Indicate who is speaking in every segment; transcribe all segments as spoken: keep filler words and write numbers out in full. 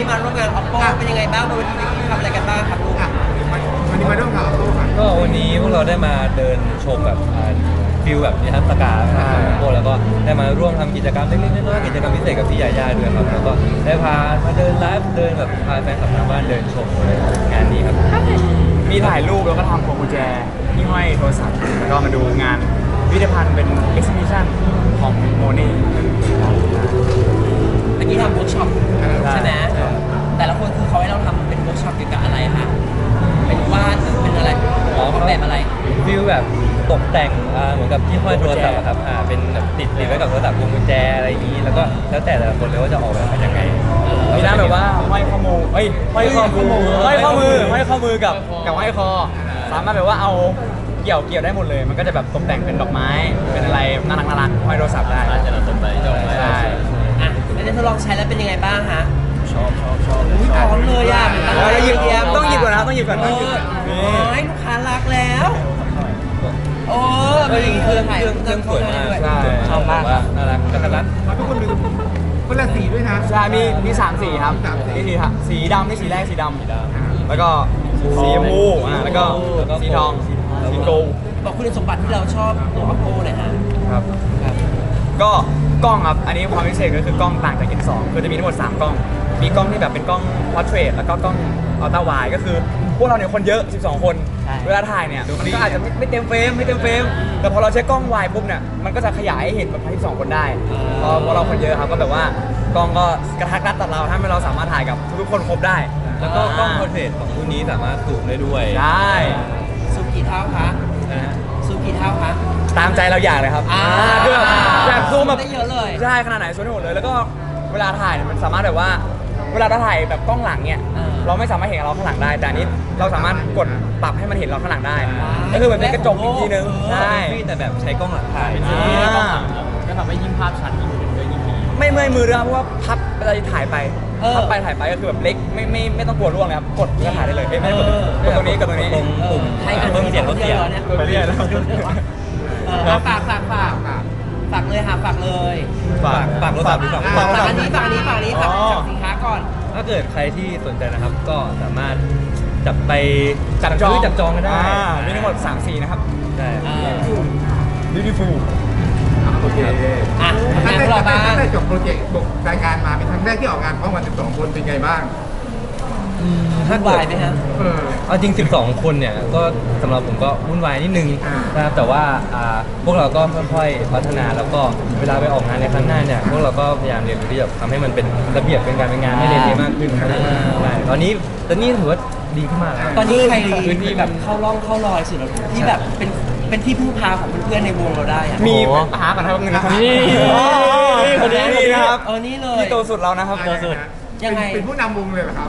Speaker 1: นี้มาร่วมงาน Oppo เป็นยังไงบ้างวันนี้ทำอะไรกันบ้างครับลูก
Speaker 2: วันนี้มาร่วมงาน Oppo ค่ะ
Speaker 3: ก็วันนี้พวกเราได้มาเดินชมแบบฟิลแบบนิทรรศการนะครับโปแล้วก็ได้มาร่วมทำกิจกรรมเล็กๆน้อยๆกิจกรรมพิเศษกับพี่ยาย่าด้วยครับแล้วก็ได้พามาเดินไลฟ์เดินแบบพาแฟนคลับทางบ้านเดินชมงานนี้ครับ
Speaker 4: มีถ่ายรูปแล้วก็ทำพวงกุญแจที่ห้อยโทรศัพท์แล้วก็มาดูงานพิพิธภัณฑ์เป็น exhibition ของโมนี่
Speaker 1: เมื่อกี้ทำเวิร์กช็อปใช่ไหมแต่ละคนคือเขาให้เราทำเป็นเวิร์กช็อปเกี่ยวกับอะไรคะเป็นวาดหรือเป็นอะไรออกแบบอะไร
Speaker 3: ฟิลแบบตกแต่งเหมือนกับที่ห้อยโทรศัพท์ครับอ่าเป็นแบบติดติดไว้กับโทรศัพท์พวงกุญแจอะไรอย่างนี้แล้วก็แล้วแต่แต่ละคนเลยว่าจะออกแบบเป็นยังไง
Speaker 4: มีหน้าแบบว่าห้อยข้อมือเอ้ยห้อยข้อมือห้อยข้อมือห้อยข้อมือกับกับห้อยคอสามารถแบบว่าเอาเกี่ยวเกี่ยวได้หมดเลยมันก็จะแบบตกแต่งเป็นดอกไม้เป็นอะไรน่ารักน่ารักห้อยโทรศัพท์ได้
Speaker 3: จะเราต้นไปจบ
Speaker 4: ใช่
Speaker 1: อ่ะแล้วได้ทดลองใช้แล้วเป็นยังไงบ้างฮะ
Speaker 3: ชอบชอบชอบ
Speaker 1: อุ้ยพร้อมเลยอ่ะ
Speaker 4: แล้วหยิบต้องหยิบก่อนนะต้องหยิบก่อนต้องหยิบ
Speaker 1: ให้ลูกค้ารักแล้วโอ้เป็นอย่างนี้เครื่อง
Speaker 3: เครื่องเครื่องสวยมาก
Speaker 4: ใช่
Speaker 3: ชอบมากน่ารักกระตัน
Speaker 2: ทุกคนมีคนละสีด้วยนะ
Speaker 4: ใช่มีมีสามสีครับมีสีสีดำนี่สีแรกสีดำแล้วก็สีชมพูอ่าแล้วก็สีทองสีโกล
Speaker 1: บอกคุณสมบัติที่เราชอบตัว Oppo หน่อยฮะ
Speaker 4: ครับก็กล้องครับอันนี้ความพิเศษก็คือกล้องต่างจาก เอ็น สอง คือจะมีทั้งหมดสามกล้องมีกล้องที่แบบเป็นกล้อง portrait แล้วก็กล้อง ultra wide ก็คือพวกเราเนี่ยคนเยอะสิบสองคนเวลาถ่ายเนี่ยมันก็อาจจะไม่เต็มเฟรมไม่เต็มเฟรมแต่พอเราใช้กล้อง wide ปุ๊บเนี่ยมันก็จะขยายให้เห็นแบบสิบสองคนได้พอพอเราคนเยอะครับก็แบบว่ากล้องก็กระทักรัดตัดเราทำให้เราสามารถถ่ายกับทุกคนครบได้
Speaker 3: แล้วก็กล้องโพรเทรตของรุ่นนี้สามารถซูมได้ด้วย
Speaker 4: ได้
Speaker 1: ซูมกี่เท่าคะซูมกี่เท่าคะ
Speaker 4: ตามใจเราอยากเลยครับคือแบบอยากซูมแบบ
Speaker 1: ได้เยอะเลย
Speaker 4: ใช่ขนาดไหนซูมได้หมดเลยแล้วก็เวลาถ่ายมันสามารถแบบว่าเวลาเราถ่ายแบบกล้องหลังเนี่ยเราไม่สามารถเห็นเราข้างหลังได้แต่อันนี้เราสามารถกดปรับให้มันเห็นเราข้างหลังได้ก็คือเหมือนเป็นกระจกอีกทีนึงใช่
Speaker 3: แต่แบบใช้กล้องหลังถ่าย
Speaker 4: ก็ทำให้ยิ่งภาพชัดยิ่งขึ้นด้วยยิ่งดีไม่เมื่อยมือด้วยเพราะว่าพับเวลาถ่ายไปพับไปถ่ายไปก็คือแบบเล็กไม่ไม่ไม่ต้องกลัวร่วงเลยครับกดก็ถ่ายได้เลยไม่ต้องกดตรงนี้กดตรงนี้
Speaker 3: ตรงปุ่ม
Speaker 1: ให้เพิ่มเสียงลดเสียง
Speaker 4: ไปเรื่อย
Speaker 1: แล้วฝากฝากฝากฝากเลยค่ะฝากเลย
Speaker 3: ฝากฝากรถสับหรือฝาก
Speaker 1: ฝากอันนี้ฝากอันนี้ฝากอันนี้ฝากสินค้าก่อน
Speaker 3: ถ้าเกิดใครที่สนใจนะครับก็สามารถจับไป
Speaker 4: จับจอง
Speaker 3: จับจองกันได้
Speaker 4: มีทั้งหมดสามสีนะครับ
Speaker 3: ใช่
Speaker 4: beautiful
Speaker 2: โอเคอ่ะตั้งแต่ตั้งแต่จบโปรเจกต์รายการมาเป็นครั้งแรกที่ออกงานพร้อมกันสิบสองคนเป็นไงบ้าง
Speaker 1: วุ่นวายไหมครับ
Speaker 3: เอาจริงสิบสองคนเนี่ยก็สำหรับผมก็วุ่นวายนิดนึงนะครับแต่ว่าพวกเราก็ค่อยๆพัฒนาแล้วก็เวลาไปออกงานในครั้งหน้าเนี่ยพวกเราก็พยายามเรียนรู้ที่จะทำให้มันเป็นระเบียบเป็นการเป็นงานให้เรียนดีมากขึ้นตอนนี้ตอนนี้ถือว่าดีขึ้นมาก
Speaker 1: ตอนนี้ใครมีแบบเข้าร่องเข้ารอยสุดที่แบบเป็นเป็นที่พึ่งพาของเพื่อนๆในวงเราได้
Speaker 4: มีหากันทั้งเงินนะครับนี่คนนี้นี่นะครับ
Speaker 1: เออนี่เลย
Speaker 4: นี่โตสุดเรานะครับโตสุด
Speaker 1: ยังไง
Speaker 2: เป็นผู้นำวงเลยเหรอครับ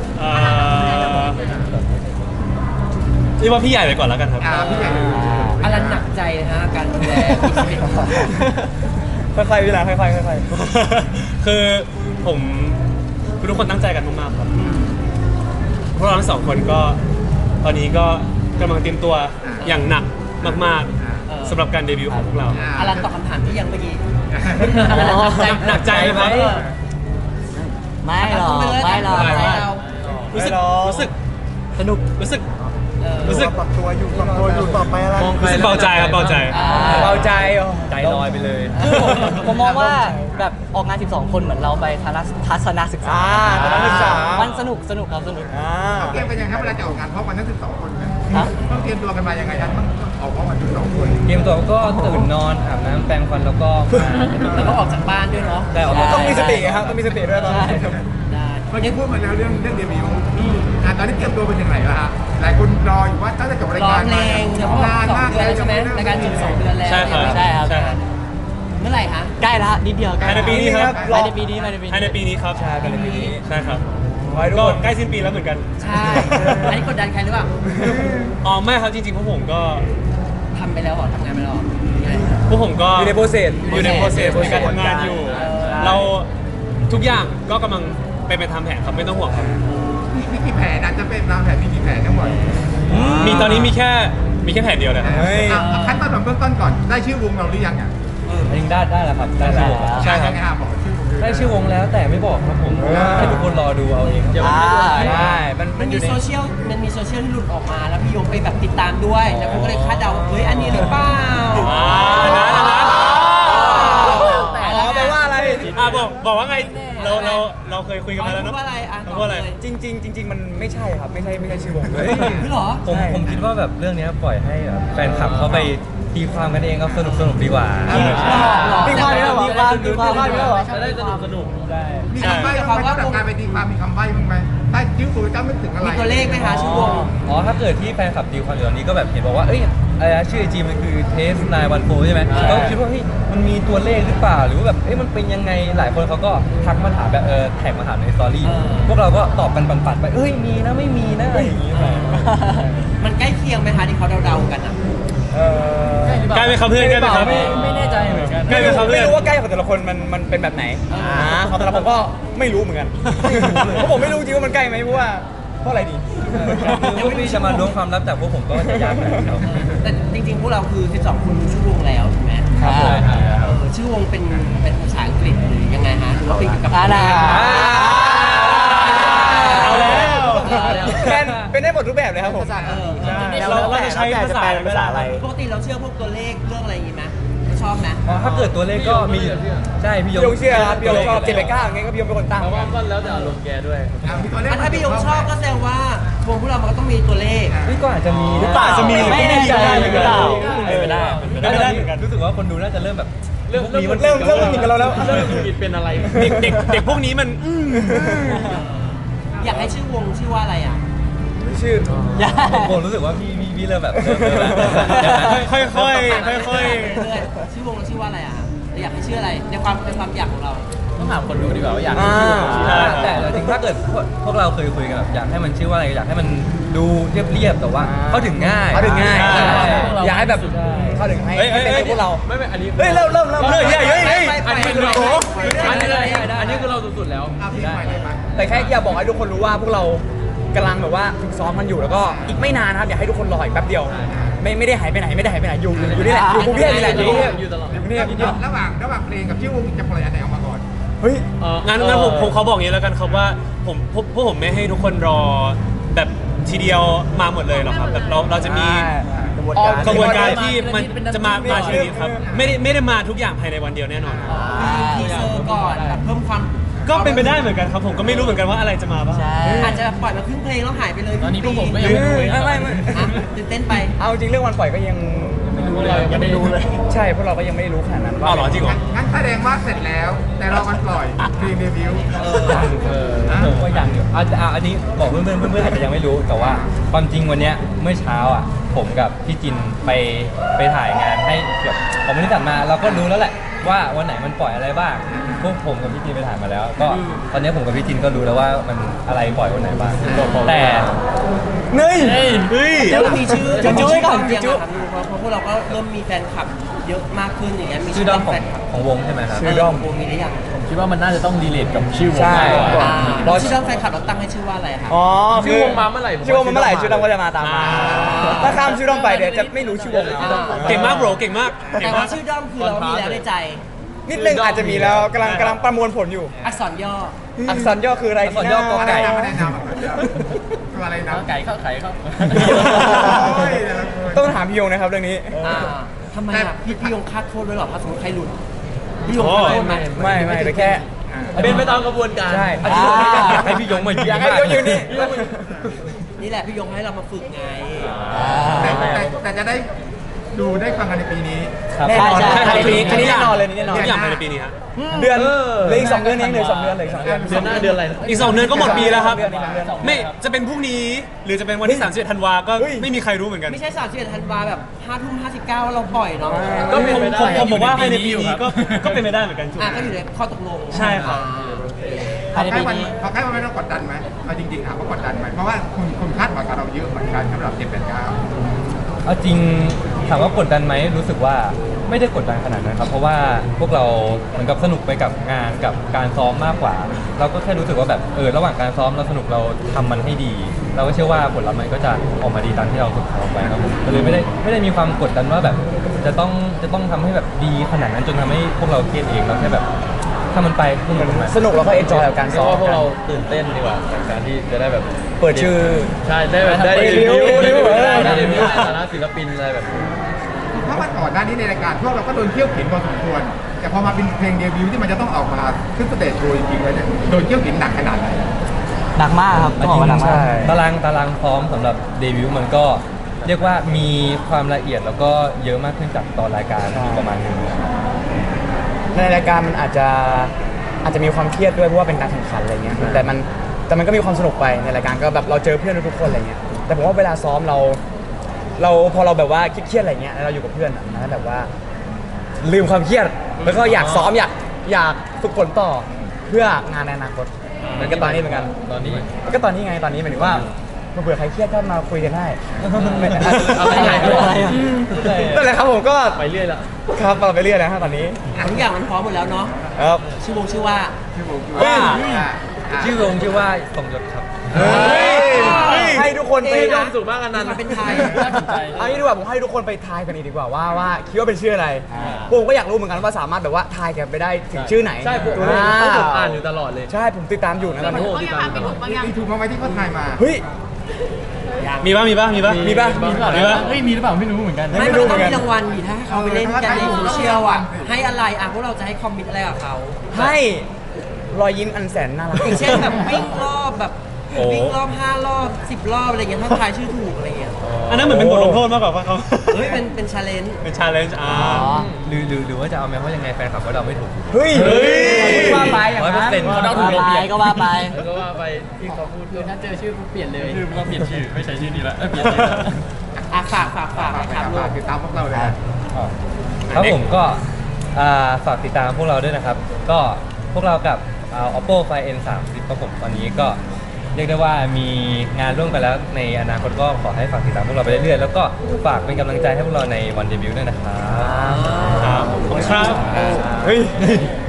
Speaker 5: นี่ว่าพี่ใหญ่ไปก่อนแล้วกันครับ
Speaker 2: พี่ใหญ่
Speaker 1: อะไรหนักใจนะฮะการดูแล
Speaker 4: ค่อยๆเวลาค่อยๆค่อย
Speaker 5: ๆคือผมทุกคนตั้งใจกันมากๆครับพวกเราทั้งสองคนก็ตอนนี้ก็กำลังเตรียมตัวอย่างหนักมากๆสำหรับการเดบิวต์ของพวกเรา
Speaker 1: อลันตอบคำถามที่ยังเมื่อกี้
Speaker 5: หนักใจไหม
Speaker 1: ไม่หรอกไม่หรอก
Speaker 5: รู้สึกรู้สึก
Speaker 1: สนุก
Speaker 5: รู้สึกรู้สึก
Speaker 2: ปรับตัวอยู่ปรับตัวอยู่ต่อไปอะไร
Speaker 5: รู้สึกเบาใจครับเบาใจ
Speaker 4: เบาใจ
Speaker 3: ใจลอยไปเลย
Speaker 1: ผมมองว่าแบบออกงานสิบสองคนเหมือนเราไปทัศนศึกษามันสนุกสนุกครับสนุก
Speaker 2: เขาเตรียมกันยังครับเวลาจะออกงานพร้อมกันทั้งสิบสองคนต้องเตรียมตัวกันมายังไงกันต้องออกพร้อมกันสิบสองคน
Speaker 3: เตรียมตัวก็ตื่นนอนอาบน้ำแปรงฟันแล้วก็
Speaker 1: แล้วก็ออกจากบ้านด้วยเนาะ
Speaker 3: แต่
Speaker 4: ต้องมีสติครับต้องมีสติด้วยตอนนี้
Speaker 2: เมื่อกี้พูดมาแล้วเรื่องเรื่องเดบิวต์ตอนนี้เตรียมตัวเป็นยังไงล่ะฮะหลายคนรออยู่ว่าตั้งแต่จบรายการ
Speaker 1: มา
Speaker 2: นานมาก
Speaker 1: เลยใช่ไหมรายการจุดสองเดือนแล้ว
Speaker 5: ใช่ครับ
Speaker 1: ใช่ครับเมื่อไหร่คะใกล้แล้วนิดเดียว
Speaker 5: ภายในปีนี้ครับ
Speaker 1: ภายในปีนี้ภายในปีนี้
Speaker 5: ภายในปีนี้ครับ
Speaker 4: ใช่ภายในปีนี้
Speaker 5: ใช่ครับก็ใกล้สิ้นปีแล้วเหมือนกัน
Speaker 1: ใช่อันนี้กดดันใครหรือเปล่า
Speaker 5: อ๋อไม่ครับจริงๆพวกผมก็
Speaker 1: ทำไปแล้วหรอทำงานไปแล้ว
Speaker 5: พวกผมก็
Speaker 4: อยู่ในโปรเซส
Speaker 5: อยู่ในโปรเซสในการทำงานอยู่เราทุกอย่างก็กำลังไปไปทำแผนครับไม่ต้องห่วงครับ
Speaker 2: มีกี่แผนอาจจะเป็นตามแผนมีกี่แผนทั้งหมด
Speaker 5: มีตอนนี้มีแค่มีแค่แผนเดียวเลย
Speaker 2: ขั้นตอนเบื้องต้นก่อนได้ชื่อวงเราหรือยังอ่ะ
Speaker 3: เองได้ได้แล้วครับได้แล้ว
Speaker 2: ใช่ครับ
Speaker 3: ได้ชื่อวงแล้วแต่ไม่บอกครับผมให้ทุกคนรอดูเอาเองครับ
Speaker 4: อ่าใช่มัน
Speaker 1: มั
Speaker 4: มัน นอ
Speaker 1: มี
Speaker 4: ยู่ใน
Speaker 1: โซเชียลมันมีโซเชียลที่หลุดออกมาแล้วพี่ยงไปแบบติดตามด้วยแล้วผมก็เลยคาดเดาว่าเฮ้ยอันนี้หรือเปล่า
Speaker 5: อ่านะนะนะ
Speaker 4: อ๋อแปลว่าอะไร
Speaker 5: อ่ะบอกบอกว่าไงเราเราเราเคยคุยกัน
Speaker 1: เขา
Speaker 5: มาแล้ว
Speaker 1: พู
Speaker 5: เนาะ
Speaker 1: ดว่าอะไรอ่ะ
Speaker 5: เขา
Speaker 1: ต
Speaker 5: พู
Speaker 1: อ
Speaker 5: ด
Speaker 1: บ
Speaker 5: อะไร
Speaker 1: เลย
Speaker 4: จริง ๆ จริง ๆ มันไม่ใช่ครับไม่ใช่ไม่ใช่ชื่อวงเลย
Speaker 1: พี่เหรอ
Speaker 3: ผม
Speaker 4: ใช่
Speaker 3: ผมคิดว่าแบบเรื่องเนี้ยปล่อยให้แบบแฟนคลับเขาไปตีความกันเองครับสนุกสนุกดีกว่า
Speaker 4: ตีความนี่เหรอตีความตีความนี่เหรอ
Speaker 3: จะได้สนุกสนุกได้
Speaker 2: มีคำใบ้บ้างไหมสำหรับการไปตีความมีคำใบ้บ้างไหมถ้าชื่อตัวเจ้าไม่ถึงอะไร
Speaker 1: มีตัวเลขไหมคะชื่อวง
Speaker 3: อ๋อถ้าเกิดที่แฟนคลับตีความอยู่ตอนนี้ก็แบบเห็นบอกว่าเอ้ยอะไรนะชื่อไอจีมันคือเทสนายวันโฟใช่ไหมก็คิดว่าเฮ้ยมันมีตัวเลขหรือเปล่าหรือว่าแบบเอ้ยมันเป็นยังไงหลายคนเขาก็ทักมาถามแบบเออแท็กมาถามในสตอรี่พวกเราก็ตอบกันปันๆไปเอ้ยมีนะไม่มีนะอะไรอย่างงี้ไป
Speaker 1: มันใกล้เคียงไหมคะที่เขาเดาๆกันอ่ะ
Speaker 4: เออ
Speaker 5: ใกล้ไหมครับเพื่อนใกล้ไหมครับ
Speaker 3: ไม่ไม่แน่ใจเหมือนกัน
Speaker 5: ใกล้ไหมครับเพื่
Speaker 4: ไม่
Speaker 5: อน
Speaker 4: รู้ว่าใกล้ของแต่ละคนมันมันเป็นแบบไหนอ่าของแต่ละผมก็ไม่รู้เหมือนกันเพราะผมไม่รู้จริงว่ามันใกล้ไหมเพราะว่าเพราะอะไรดี
Speaker 3: พวกพี่จะมาล้วงความลับจากพวกผมก็จะยากหน่อยครับ
Speaker 1: แต่จริงๆ พวกเราคือสิบสองคนรู้ชื่อวงแล้วถูกไหม
Speaker 3: ครับผม
Speaker 1: เออชื่อวงเป็นเป็นภาษาอังกฤษหรือยังไงฮะหรือว่าเป็นเกี่ยวกับ
Speaker 4: อ่านะ
Speaker 5: เอาแล้ว
Speaker 4: เป็นเป็นได้หมดรูปแบบเลยครับผม
Speaker 1: เออ
Speaker 5: เราเราจะใช้ภาษาภาษาอะไร
Speaker 1: ปกติเราเชื่อพวกตัวเลขเรื่องอะไรอย่างงี้ไหมชอบไหม
Speaker 3: อ๋อถ้าเกิดตัวเลขก็มีใช่พี่ย
Speaker 4: พี่ยงเชื่อครับพี่ยงชอบเจ็ดไปเก้าอย่างเงี้ยก็พี่ยงเป็นคนตั้ง
Speaker 2: อ่ะมีตัวเลข
Speaker 1: อ่ะถ้าพี่ยงชอบก็แสดงว่าวงพวกเรามันก็ต้องมีตัวเลข
Speaker 3: นี่ก็อาจจะมี
Speaker 5: หรือเปล่าจะมีหรือไม่แน่ใจหรือเปล่า
Speaker 3: เป็นไปได้
Speaker 5: เป็นไปได้เหมือนกัน
Speaker 3: รู้สึกว่าคนดูน่าจะเริ่มแบบเริ่ม
Speaker 4: เริ่มเริ่มเริ่มมีกับเราแล้ว
Speaker 3: เริ่มผิดเป็นอะไร
Speaker 5: เด็กเด็กเด็กพวกนี้มันอืม
Speaker 1: อยากให้ชื่อวงชื่อว่าอะไรอ่ะ
Speaker 4: ชื่อ
Speaker 3: ผมรู้สึกว่าพี่พี่พี่เริ่มแบบเริ่มเริ่มแล้ว
Speaker 5: ค่อยค่อยค่อยค่อย
Speaker 1: เรื่อยๆชื่อวงเราชื่อว่าอะไรอ่ะเราอยากให้ชื่ออะไรในความในความอยากของเรา
Speaker 3: ต้องถามคนดูดีกว่าว่าอยาก
Speaker 4: อ่า
Speaker 3: แต่แต่จริงๆถ้าเกิดพวกพวกเราเคยคุยกันแบบอยากให้มันชื่อว่าอะไรอยากให้มันดูเรียบๆแต่ว่าเข้าถึงง่าย
Speaker 4: เข้าถึงง่าย
Speaker 3: ใช่
Speaker 4: อยากให้แบบเข้าถึงให้
Speaker 5: เฮ้ย
Speaker 4: ให้
Speaker 5: เฮ้ย
Speaker 4: เป็น
Speaker 5: เฮ้ย
Speaker 4: พวกเรา
Speaker 3: ไม่ไม่อันนี้
Speaker 4: เฮ้ยเริ่มเริ่มเริ่ม
Speaker 5: เฮ้ยเฮ้ยเฮ้ยเฮ้ย
Speaker 1: ไปไป
Speaker 5: อันนี้
Speaker 1: ไป
Speaker 5: โอ้
Speaker 1: ไป
Speaker 3: อันนี้
Speaker 1: ไป
Speaker 3: ได้
Speaker 1: ไป
Speaker 3: ได้อันนี้คือเราสุดๆแล้ว
Speaker 2: เอาพี่ใหม่เลยมา
Speaker 4: แต่แค่อยากบอกให้ทุกคนรู้ว่าพวกเรากำลังแบบว่าฝึกซ้อมมันอยู่แล้วก็อีกไม่นานนะครับอยากให้ทุกคนรออีกแป๊บเดียว ไม่ไม่ได้หายไปไหนไม่ได้หายไปไหนอยู่อยู่นี่แหละอยู่กรุงเทพนี่แหละอยู่กรุงเทพ
Speaker 3: อยู่ตลอด
Speaker 4: อยู่กรุงเทพ
Speaker 2: ระหว่างระหว่างเพลงกับชื่อวงจะปล่อยอันไหนออกมาก่อน
Speaker 4: เฮ้ย
Speaker 5: งั้นงั้นผมผมเขาบอกอย่างนี้แล้วกันครับว่าผมพวกพวกผมไม่ให้ทุกคนรอแบบทีเดียวมาหมดเลยหรอกครับแบบเราเราจะมีกระบวนการที่มันจะมามาทีนี้ครับไม่ได้ไม่ได้มาทุกอย่างภายในวันเดียวแน่นอนครับ
Speaker 1: ทีเซอร์ก่อนแบบเพิ่มความ
Speaker 5: ก็เป็นไปได้เหมือนกันครับผมก็ไม่รู้เหมือนกันว่าอะไรจะมาบ้าง
Speaker 1: อาจจะปล่อยมาครึ่งเพลงแล้วหายไปเลย
Speaker 3: ตอนนี้พวกผมก็ยังไม่รู้
Speaker 4: ไม่ไม่ไม่
Speaker 1: อ่ะตื่นเต้นไป
Speaker 4: เอาจริงเรื่องวันปล่อยก็ยังไม่รู้เลยยังไม่รู้เลย ใช่พวกเราก็ยังไม่รู้ขนาดนั้นว่า
Speaker 5: อ้าวเหรอจริงเหรอ
Speaker 2: งั้นแสดงว่าเสร็จแล้ว แต่รอกันปล่อยเพลงเดบิวต์
Speaker 1: เออ
Speaker 3: เออผมก็ยังอยู่อาจจะอ่ะอันนี้บอกเพื่อนๆเพื่อนๆอาจจะยังไม่รู้แต่ว่าความจริงวันเนี้ยเมื่อเช้าอ่ะผมกับพี่จินไปไปถ่ายงานให้แบบผมไม่ได้จัดมาเราก็รู้แล้วแหละว่าวันไหนมันปล่อยอะไรบ้างพวกผมกับพี่จินไปถ่ายมาแล้ว ก็ตอนนี้ผมกับพี่จินก็รู้แล้วว่ามันอะไรปล่อยวันไหนบ้างแต่
Speaker 4: เนย
Speaker 5: เฮ้ย
Speaker 1: แล้วมีชื่อ
Speaker 4: จุ๊จุ๊ไว้ก่อน
Speaker 1: ยัง
Speaker 4: จุ๊
Speaker 1: อะครับเพราะเพราะพวกเราก็เริ่มมีแฟนคลับเยอะมากขึ้นอย่างเงี้ยมี
Speaker 3: ชื่อด้อมของ
Speaker 1: แฟนคลับ
Speaker 3: ของวงใช่ไหมครับ
Speaker 4: ชื่อด้อม
Speaker 1: วงมีหรือยัง
Speaker 3: คิดว่ามันน่าจะต้องรีเลทกับชื่อวง
Speaker 4: ใช่
Speaker 3: มากกว่า
Speaker 1: อ่า
Speaker 4: บอส
Speaker 1: ชื่อด้อมแฟนคลับเราตั้งให้ชื่อว่าอะไรครับ
Speaker 4: อ๋อ
Speaker 3: ชื่อวงมาเมื่อไหร่ผม
Speaker 4: ชื่อวงมาเมื่อไหร่
Speaker 3: ว่าชื่
Speaker 4: ชื่อ
Speaker 3: อ
Speaker 4: ด
Speaker 3: ด้
Speaker 4: อ
Speaker 3: อ
Speaker 4: ม
Speaker 3: ม
Speaker 4: ก็จะมาตามมา
Speaker 1: อ่า
Speaker 4: ถ้าข้ามชื่อดอมไปเดี๋ยวจะไม่รู้ชื่อวงแล้ว
Speaker 5: เก่งมากโบรเก่งมากเก่
Speaker 1: แต่
Speaker 5: ง
Speaker 1: ว่า
Speaker 5: าก
Speaker 1: ชื่อด้อมคือเรามีแล้วในใจ
Speaker 4: นิดนึงอาจจะมีแล้วกำลังกำลังประมวลผลอยู่
Speaker 1: อักษรย่อ
Speaker 4: อักษรย่อคืออะไร
Speaker 3: อักษรย่อกอ
Speaker 2: อะไร
Speaker 3: ไก่
Speaker 2: นะไม่ได้นำตัวอะไรนะ
Speaker 3: ไก่เข้าไข่เข้า
Speaker 2: โอ้ยแต่ละคน
Speaker 4: ต้องถามพี่ยงนะครับเรื่องนี้
Speaker 1: อ่าทำไมอ่ะพี่พี่ยงคาดโทษด้วยเหรอถ้าสมมติใครหลุดพี่ยงคาดโทษไหม
Speaker 4: ไม่ไม่แต่แค่
Speaker 3: เป็นไปตามกระบวนการ
Speaker 4: ใช่
Speaker 3: อันนี้ผมไม่อยากให้พี่ยงมายืน
Speaker 4: อยากให้พี่ยงยืนนี่
Speaker 1: นี่แหละพี่ยงให้เรามาฝึกไง
Speaker 2: แต่แต่แต่จะได้ดูได้ฟังกันในปีนี้
Speaker 3: ครับ
Speaker 4: แน่นอน
Speaker 1: ใช่ใช่
Speaker 4: ภายในปีนี้อันนี้แน่นอนเลยนี่แน่นอน
Speaker 5: ทุกอย่างภายในปีนี้ฮะ
Speaker 4: เดือนเหลืออีกสองเดือนเองเหลืออกสองเดือนเหลืออกสองเดือน
Speaker 3: เดือนหน้าเดือนอะไร
Speaker 5: อีกสองเดือนก็หมดปีแล้วครับ
Speaker 4: เดือนนี้เดือน
Speaker 5: ไม่จะเป็นพรุ่งนี้หรือจะเป็นวันที่สามสิบเอ็ดธันวาก็
Speaker 4: เฮ้ย
Speaker 5: ไม่มีใครรู้เหมือนกัน
Speaker 1: ไม่ใช่สามสิบเอ็ดธันวาแบบห้าทุ่มห้าสิบเก้าเราปล่อยเนาะ
Speaker 5: ก็เป็นไปได้ผมผมบอกว่าภายในปีนี้ก็ก็เป็นไปได้เหมือนกัน
Speaker 1: อ่ะก็อยู่ในข้อตกลง
Speaker 5: ใช่ครับ
Speaker 2: พอใกล้วันพอใกล้วันไม่ต้องกดดันไหมเอาจริงๆถามว่ากดดันไหมเพราะว่าคนคนคาดหวังกับเราเยอะเหมือนกันสำหรับเจ็ดแปดเก้า
Speaker 3: เอาจริงถามว่ากดดันไหมรู้สึกว่าไม่ได้กดดันขนาดนั้นครับเพราะว่าพวกเราเหมือนกับสนุกไปกับงานกับการซ้อมมากกว่า เราก็แค่รู้สึกว่าแบบเออระหว่างการซ้อมเราสนุกเราทำมันให้ดี เราก็เชื่อว่าผลลัพธ์มันก็จะออกมาดีตามที่เราฝึกซ้อมไว้ครับผมก็เลยไม่ได้ไม่ได้มีความกดดันว่าแบบจะต้องจะต้องทำให้แบบดีขนาดนั้นจนทำให้พวกเราเครียดเองเราแค่แบบถ้ามันไปพวกมัน
Speaker 4: สนุกแล้วก็เอนจอยกับการ
Speaker 3: เรีย
Speaker 4: ซ้
Speaker 3: ก
Speaker 4: อม
Speaker 3: ว่าพวก
Speaker 4: กัน
Speaker 3: เราตื่นเต้นดีกว่ากับการที่จะได้แบบ
Speaker 4: เปิดชื่อ
Speaker 3: ใช่ได้แบบได้
Speaker 4: เปิด
Speaker 3: รีวิว
Speaker 4: รีวิว
Speaker 3: ได้รีวิวในฐานะศิลปินอะไรแบบนี้
Speaker 2: เพราะว่าก่อนหน้านี้ในรายการพวกเราก็โดนเที่ยวเข็นพอสมควรแต่พอมาเป็นเพลงเดบิวต์ที่มันจะต้องออกมาขึ้นสเตจโชว์จริงๆแล้วเนี่ยโดนเที่ยวเข็นหนักขนาดไหน
Speaker 4: หนักมากครับต้องบอกว่าหนักมาก
Speaker 3: ตารางตารางพร้อมสำหรับเดบิวต์มันก็เรียกว่ามีความละเอียดแล้วก็เยอะมากขึ้นจากตอนรายการอยู่ประมาณนึง
Speaker 4: ในรายการมันอาจจะอาจจะมีความเครียดด้วยเพราะว่าเป็นการแข่งขันอะไรเงี้ยแต่มันแต่มันก็มีความสนุกไปในรายการก็แบบเราเจอเพื่อนทุกๆคนอะไรเงี้ยแต่ผมว่าเวลาซ้อมเรา เราพอเราแบบว่าเครียดๆอะไรเงี้ยแล้วเราอยู่กับเพื่อนอะมันก็แบบว่าลืมความเครียดแล้วก็อยากซ้อมอยากอยากฝึกฝนต่อเพื่องานในอนาคตเหมือนกับตอนนี้เหมือนกัน
Speaker 3: ตอนนี้
Speaker 4: ก็ตอนนี้ไงตอนนี้หมายถึงว่าเผื่อใครเครียดก็มาคุยกันได้
Speaker 3: เอาไปไหนอะไรอ่ะ
Speaker 4: นั่นแหละครับผมก็
Speaker 3: ไปเรื่อยละ
Speaker 4: ครับเราไปเรื่อยแล้วฮะตอนนี้
Speaker 1: อ่ะทุกอย่างมันพร้อมหมดแล้วเนาะ
Speaker 4: ครับ
Speaker 1: ชื่อวงชื่อว่า
Speaker 2: ที่ผมคิด
Speaker 4: ว่า
Speaker 2: ว่า
Speaker 3: ชื่อวงชื่อว่าสมยศครับ
Speaker 4: เฮ้ยให้ทุกคนไป
Speaker 1: เอ๊ะ
Speaker 3: ความสุขมากอันนั้น
Speaker 1: มีความเป็นไทย
Speaker 3: น่าสนใจ
Speaker 4: เอางี้ดีกว่าผมให้ทุกคนไปทายกันอีกดีกว่าว่าว่าคิดว่าเป็นชื่ออะไรผมก็อยากรู้เหมือนกันว่าสามารถแบบว่าทายกันไปได้ถึงชื่อไหน
Speaker 3: ใช่ผม
Speaker 4: อ่า
Speaker 3: ผมอ่านอยู่ตลอดเลย
Speaker 4: ใช่ผมติดตามอยู่นะตอนนี้
Speaker 6: บางอย่างมีถูกบางอย่าง
Speaker 2: มีถูกมาไหมที่เขาทายมา
Speaker 4: เฮ้ย
Speaker 5: มีป่ะมีป่ะมีป่ะ
Speaker 4: มีป่ะ
Speaker 5: มีป่ะ
Speaker 3: เฮ้ยมีหรือเปล่าไม่รู้เหมือนกัน
Speaker 1: ไม่
Speaker 4: ไม่
Speaker 1: มัน
Speaker 4: รู้
Speaker 1: ต้อง
Speaker 4: เหมือนกัน
Speaker 1: มีรางวัลดิถ้าให้เขาไปเล่นกันในโซเชียลอ่ะให้อะไรอ่ะพวกเราจะให้คอมมิตอะไรกับเขา
Speaker 4: ให้รอยยิ้มอันแสนน่ารัก
Speaker 1: อย่างเช่นแบบวิ่งรอบแบบ
Speaker 3: โอ้
Speaker 1: วิ่งรอบห้ารอบสิบรอบอะไรเงี้ยถ้าทายชื่อถูกอะไรเงี้ย
Speaker 5: อันนั้นเหมือนเป็นบทลงโทษมากกว่าป่ะเขา
Speaker 1: เฮ้ยเป็นเป็นชาเลนจ์
Speaker 5: เป็นชาเลนจ์อ่า
Speaker 4: อ๋อ
Speaker 3: หรือหรือหรือว่าจะเอาไหมเพราะยังไงแฟนคลับก็เดาไม่ถูก
Speaker 4: เฮ้ย
Speaker 5: เฮ้ย
Speaker 4: ว่าไปอย่าง
Speaker 3: ร้อยเปอ
Speaker 4: นั้
Speaker 3: ร์
Speaker 4: น
Speaker 3: เซ็นต์เขาเดาถูก
Speaker 1: ว่าไปก็ว่าไป
Speaker 3: แล้วก็ว่าไปที่เขาพูด
Speaker 6: คือถ้าเจอชื่อปุ๊บเปลี่ยนเลย
Speaker 3: ชื่อก็เปลี่ยนชื่อไม่ใช่ชื่อนี้ละเปลี่ยนชื่อ
Speaker 1: อ่ะฝากฝากฝาก
Speaker 2: ฝาก
Speaker 1: นะ
Speaker 2: ไป
Speaker 1: ครับลู
Speaker 2: ฝาก
Speaker 1: ก
Speaker 2: ติดตามพวกเราเลยนะ
Speaker 3: ครับผมก็อ่าฝากติดตามพวกเราด้วยนะครับ ก็พวกเรากับอ่า oppo find n สามสิบครับผมตอนนี้ก็เรียกได้ว่ามีงานร่วมกันแล้วในอนาคตก็ขอให้ฝากติดตามพวกเราไปเรื่อยๆแล้วก็ฝากเป็นกำลังใจให้พวกเราในวันเดบิวต์ด้วยนะครับ
Speaker 5: ครับขอบคุณครับ
Speaker 4: เฮ้ย